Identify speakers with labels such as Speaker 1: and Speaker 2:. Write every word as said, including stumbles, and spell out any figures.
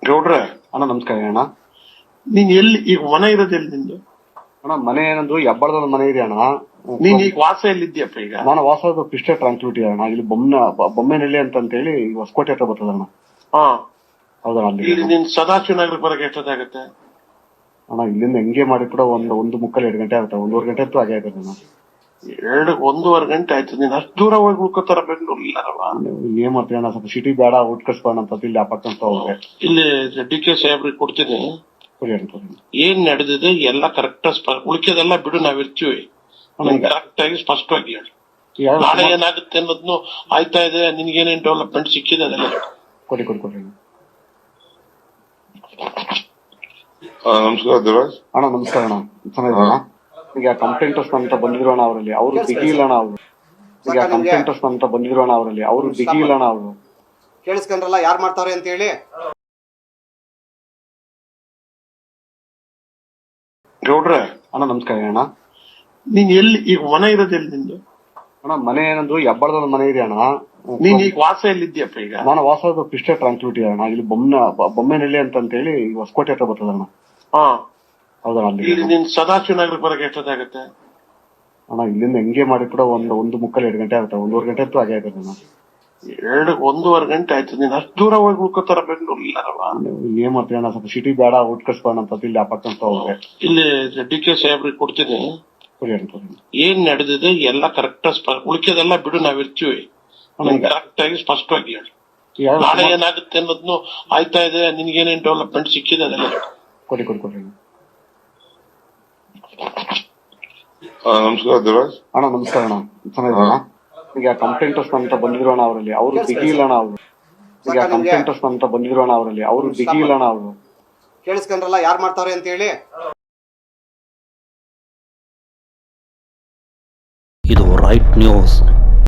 Speaker 1: ಗೌಡ್ರ
Speaker 2: ಅಣ್ಣ ನಮಸ್ಕಾರ ಅಣ್ಣ.
Speaker 1: ನೀನ್ ಎಲ್ಲಿ ಈಗ ಮನೆ ಇರೋದು ಎಲ್ಲಿ ನಿಂದು?
Speaker 2: ಅಣ್ಣ ಮನೆ ಏನಂದ್ರು ಹೆಬ್ಬಳದ ಮನೆ ಇದೆ ಅಣ್ಣ.
Speaker 1: ನೀನ್ ಈಗ ವಾಸ ಎಲ್ಲಿದ್ಯಪ್ಪ ಈಗ?
Speaker 2: ನಾನು ವಾಸದ ಪಿಸ್ಟೆ ಟ್ರಾನ್ಸ್ಪಿಟಿ ಅಣ್ಣ. ಇಲ್ಲಿ ಬೊಮ್ಮನ ಬೊಮ್ಮೆನಹಳ್ಳಿ ಅಂತ ಹೇಳಿ ಹೊಸಕೋಟೆ ಹತ್ರ ಬರ್ತದೆ ಅಣ್ಣ.
Speaker 1: ಹಾ
Speaker 2: ಹೌದಣ್ಣ. ಅಲ್ಲಿ
Speaker 1: ಇಲ್ಲಿ ನೀನ್ ಸದಾಶಿವ ನಗರಕ್ಕೆ ಬರಕ್ಕೆ ಎಷ್ಟೊತ್ತಾಗತ್ತೆ
Speaker 2: ಅಣ್ಣ? ಇಲ್ಲಿಂದ ಹೆಂಗೆ ಮಾಡಿ ಕೂಡ ಒಂದು ಒಂದು ಮುಕ್ಕಲ್ ಎರಡು ಗಂಟೆ ಆಗುತ್ತೆ. ಒಂದೂವರೆ ಗಂಟೆ ಅಂತೂ ಹಾಗೆ ಆಗುತ್ತೆ ಅಣ್ಣ.
Speaker 1: ಎರಡು ಒಂದೂವರೆ ಗಂಟೆ ಆಯ್ತು. ನೀನ್ ಅಷ್ಟು ದೂರ ಹೋಗಿ ಉಳ್ಕೋತಾರ ಬೆಂಗಳೂರು ಇಲ್ಲಾರವ?
Speaker 2: ಏನ್ ಮಾಡ್ತೀವಿ ಅಣ್ಣ, ಸ್ವಲ್ಪ ಸಿಟಿ ಬೇಡ ಔಟ್ ಕಳ್ಸ್ಬೋಣ ಅಂತ ಇಲ್ಲಿ ಅಪಾರ್ಟ್ ಅಂತ ಹೋಗ್ರೆ
Speaker 1: ಇಲ್ಲಿ ಡಿ ಕೆ ಸಾಹೇಬ್ರಿಗೆ ಕೊಡ್ತೀನಿ. ಏನ್ ನಡೆದಿದೆ ಎಲ್ಲ ಕರೆಕ್ಟ್ ಉಳಿಕೆದೆಲ್ಲ ಬಿಡು, ನಾವಿರ್ತೀವಿ. ಕರೆಕ್ಟ್ ಆಗಿ ಸ್ಪಷ್ಟವಾಗಿ ಹೇಳಿ. ನಾಳೆ ಏನಾಗುತ್ತೆ ಅನ್ನೋದ್ನು ಆಯ್ತಾ ಇದೆ. ನಿನ್ಗೇನೇನ್ ಡೆವಲಪ್ಮೆಂಟ್ ಸಿಕ್ಕಿದೆ ಅದೆಲ್ಲ
Speaker 2: ಕೊಡಿ ಕೊಡಿ ಕೊಡಿ
Speaker 3: ನಮಸ್ಕಾರ ದೇವರಾಜ್
Speaker 2: ಅಣ್ಣ. ನಮಸ್ಕಾರ ಅಣ್ಣ. ಚೆನ್ನಾಗಿರೋಣ. ಈಗ ಕಂಪ್ಲೇಂಟರ್ಸ್ ಅಂತ ಬಂದಿರೋಣ ಅವರಲ್ಲಿ, ಅವರು ಬಿಗಿ ಇಲ್ಲಣ್ಣ. ಅವರು ಈಗ ಕಂಪ್ಲೇಂಟರ್ಸ್ ಅಂತ ಬಂದಿರೋಣ ಅವರಲ್ಲಿ, ಅವರು ಬಿಗಿ ಇಲ್ಲಣ್ಣ. ಅವರು
Speaker 4: ಕೇಳಿಸ್ಕೊಂಡ್ರಲ್ಲ ಯಾರು ಮಾಡ್ತಾವ್ರೆ ಅಂತ ಹೇಳಿ.
Speaker 1: ಗೌಡ್ರ
Speaker 2: ಅಣ್ಣ ನಮಸ್ಕಾರ ಅಣ್ಣ.
Speaker 1: ನೀನ್ ಎಲ್ಲಿ ಈಗ ಮನೆ ಇರೋದು ಎಲ್ಲಿ ನಿಂದು?
Speaker 2: ಅಣ್ಣ ಮನೆ ಏನಂದ್ರು ಹೆಬ್ಬಳದ ಮನೆ ಇದೆ ಅಣ್ಣ.
Speaker 1: ನೀನ್ ಈಗ ವಾಸ ಎಲ್ಲಿದ್ಯಪ್ಪ ಈಗ?
Speaker 2: ನಾನು ವಾಸದ ಪಿಸ್ಟೆ ಟ್ರಾನ್ಸ್ಪಿಟಿ ಅಣ್ಣ. ಇಲ್ಲಿ ಬೊಮ್ಮನ ಬೊಮ್ಮೆನಹಳ್ಳಿ ಅಂತ ಹೇಳಿ ಹೊಸಕೋಟೆ ಹತ್ರ ಬರ್ತದೆ ಅಣ್ಣ.
Speaker 1: ಹಾ
Speaker 2: ಹೌದಣ್ಣ. ಅಲ್ಲಿ
Speaker 1: ಇಲ್ಲಿ ನೀನ್ ಸದಾಶಿವ ನಗರಕ್ಕೆ ಬರಕ್ಕೆ ಎಷ್ಟೊತ್ತಾಗತ್ತೆ
Speaker 2: ಅಣ್ಣ? ಇಲ್ಲಿಂದ ಹೆಂಗೆ ಮಾಡಿ ಕೂಡ ಒಂದು ಒಂದು ಮುಕ್ಕಲ್ ಎರಡು ಗಂಟೆ ಆಗುತ್ತೆ. ಒಂದೂವರೆ ಗಂಟೆ ಅಂತೂ ಹಾಗೆ ಆಗುತ್ತೆ ಅಣ್ಣ.
Speaker 1: ಎರಡು ಒಂದೂವರೆ ಗಂಟೆ ಆಯ್ತು. ನೀನ್ ಅಷ್ಟು ದೂರ ಹೋಗಿ ಉಳ್ಕೋತಾರ ಬೆಂಗಳೂರು ಇಲ್ಲಾರವ?
Speaker 2: ಏನ್ ಮಾಡ್ತೀವಿ ಅಣ್ಣ, ಸ್ವಲ್ಪ ಸಿಟಿ ಬೇಡ ಔಟ್ ಕಳ್ಸ್ಬೋಣ ಅಂತ ಇಲ್ಲಿ ಅಪಾರ್ಟ್ ಅಂತ ಹೋಗ್ರೆ
Speaker 1: ಇಲ್ಲಿ ಡಿ ಕೆ ಸಾಹೇಬ್ರಿಗೆ ಕೊಡ್ತೀನಿ. ಏನ್ ನಡೆದಿದೆ ಎಲ್ಲ ಕರೆಕ್ಟ್ ಉಳಿಕೆದೆಲ್ಲ ಬಿಡು, ನಾವಿರ್ತೀವಿ. ಕರೆಕ್ಟ್ ಆಗಿ ಸ್ಪಷ್ಟವಾಗಿ ಹೇಳಿ. ನಾಳೆ ಏನಾಗುತ್ತೆ ಅನ್ನೋದ್ನು ಆಯ್ತಾ ಇದೆ. ನಿನ್ಗೇನೇನ್ ಡೆವಲಪ್ಮೆಂಟ್ ಸಿಕ್ಕಿದೆ ಅದೆಲ್ಲ
Speaker 2: ಕೊಡಿ ಕೊಡಿ ಕೊಡಿ
Speaker 3: ನಮಸ್ಕಾರ ದೇವರಾಜ್
Speaker 2: ಅಣ್ಣ. ನಮಸ್ಕಾರ ಅಣ್ಣ. ಚೆನ್ನಾಗಿರೋಣ. ಈಗ ಕಂಪ್ಲೇಂಟರ್ಸ್ ಅಂತ ಬಂದಿರೋಣ ಅವರಲ್ಲಿ, ಅವರು ಬಿಗಿ ಇಲ್ಲಣ್ಣ. ಅವರು ಈಗ ಕಂಪ್ಲೇಂಟರ್ಸ್ ಅಂತ ಬಂದಿರೋಣ ಅವರಲ್ಲಿ, ಅವರು ಬಿಗಿ ಇಲ್ಲಣ್ಣ. ಅವರು
Speaker 4: ಕೇಳಿಸ್ಕೊಂಡ್ರಲ್ಲ ಯಾರು ಮಾಡ್ತಾವ್ರೆ ಅಂತ ಹೇಳಿ.
Speaker 5: ಇದು ರೈಟ್ ನ್ಯೂಸ್.